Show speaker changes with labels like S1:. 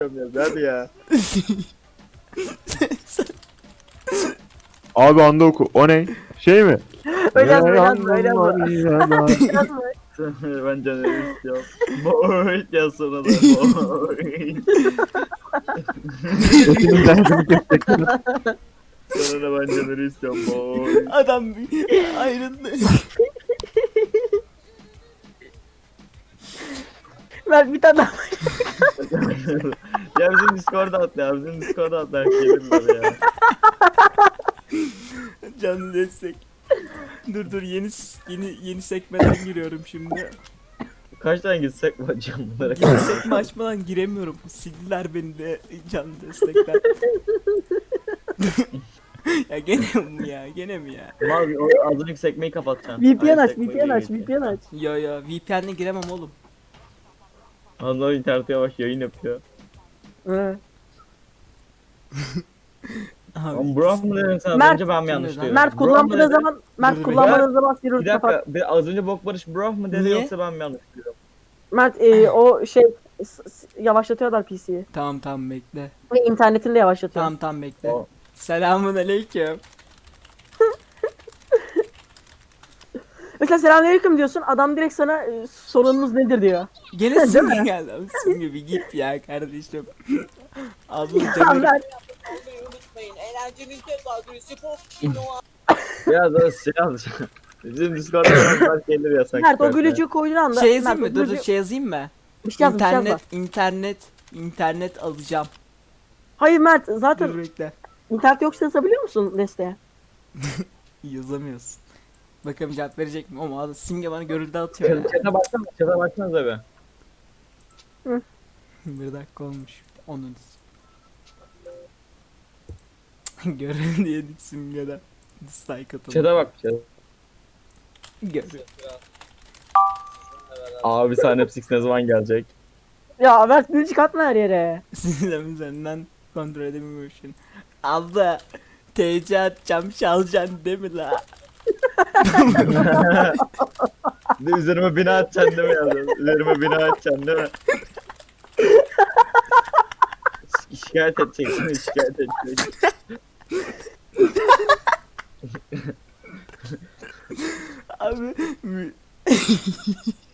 S1: Hadi ya.
S2: Abi anda oku. O ne? Şey mi?
S3: Öyle yazma, öyle yazma, öyle yazma.
S2: yazma.
S3: Yazma.
S1: Ben canını istiyorum. Boy ya sonra da boy.
S2: Senin derdini kesecek.
S1: Sonra da ben canını istiyorum boy.
S4: Adam ayrıldı.
S3: Ver bir tane daha.
S1: Ya bizim Discord'a atla ya. Bizim Discord'a atla. Gelin böyle ya.
S4: Canlı destek. Dur yeni sekmeden giriyorum şimdi.
S1: Kaç tane gitsek mi hocam bunlara?
S4: Yeni sekme açmadan giremiyorum. Sildiler beni de canlı destekten. Ya gene mi ya?
S1: Mal o az önceki sekmeyi kapatacaksın.
S3: VPN aç,
S1: Sekmeyi
S3: VPN aç,
S1: geçeceksin.
S3: VPN aç.
S4: Ya VPN'le giremem oğlum.
S1: Allah internete yavaş yayın yapıyor.
S3: Hı.
S4: Abi,
S1: Ama Burak mı dedin sen az
S3: Mert,
S1: önce ben mi
S4: kim
S1: yanlış
S4: dedi
S1: diyorum?
S3: Mert
S1: Burak mı
S3: kullanmadığın
S1: dedin?
S3: zaman, Mert
S4: Dur,
S3: kullanmadığın zaman
S1: Bir
S3: Sirius
S1: dakika
S3: kapat.
S1: az önce Bok Barış Burak mı dedi
S4: Niye?
S1: yoksa ben mi yanlış diyorum?
S3: Mert o şey yavaşlatıyorlar PC'yi.
S4: Tamam bekle.
S3: Ve internetini de yavaşlatıyor.
S4: Tamam bekle.
S1: O-
S4: Selamun aleyküm.
S3: Mesela selamünaleyküm diyorsun, adam direkt sana sorununuz nedir diyor.
S4: Gene
S3: Değil
S4: simge
S3: mi?
S4: geldi. Abi simge bir git ya kardeşim. Ablam
S3: Ya
S4: canım.
S3: Mert,
S5: Unutmayın, eğlencenizde adresi pop.
S1: Biraz daha şey yaz. Bizim Discord'da biraz gelir ya sanki.
S3: Mert o
S1: böyle.
S3: gülücüğü koyduğun anda.
S4: Şey yazayım
S3: Mert,
S4: mı?
S3: o
S4: Dur
S3: gülücüğü-
S4: şey yazayım mı?
S3: Bir şey yaz, bir şey yazma.
S4: İnternet alacağım.
S3: Hayır Mert,
S4: Dur
S3: zaten
S4: bekle.
S3: internet yoksa yazabiliyor musun desteğe?
S4: Yazamıyorsun. Bakalım cevap verecek mi? Ama adam simge bana görüldü atıyor ya.
S1: Chat'e baksana, chat'e baksanıza be.
S4: Bir dakika olmuş. Onun. Görüldü yedik simgeden. Dislike atalım.
S1: Chat'e bak. Chat'e.
S4: Görüldü.
S1: Abi sahne Six ne zaman gelecek?
S3: Ya Mert gülücük atma her yere.
S4: Sinirlerim üzerinden kontrol edemiyormuşum. Abla TC atacağım çalacaksın değil mi la?
S1: Bir de üzerime bina atacaksın değil mi yazdın? Üzerime bina atacaksın değil mi? Şikayet edeceksin, şikayet edeceksin.
S4: Abi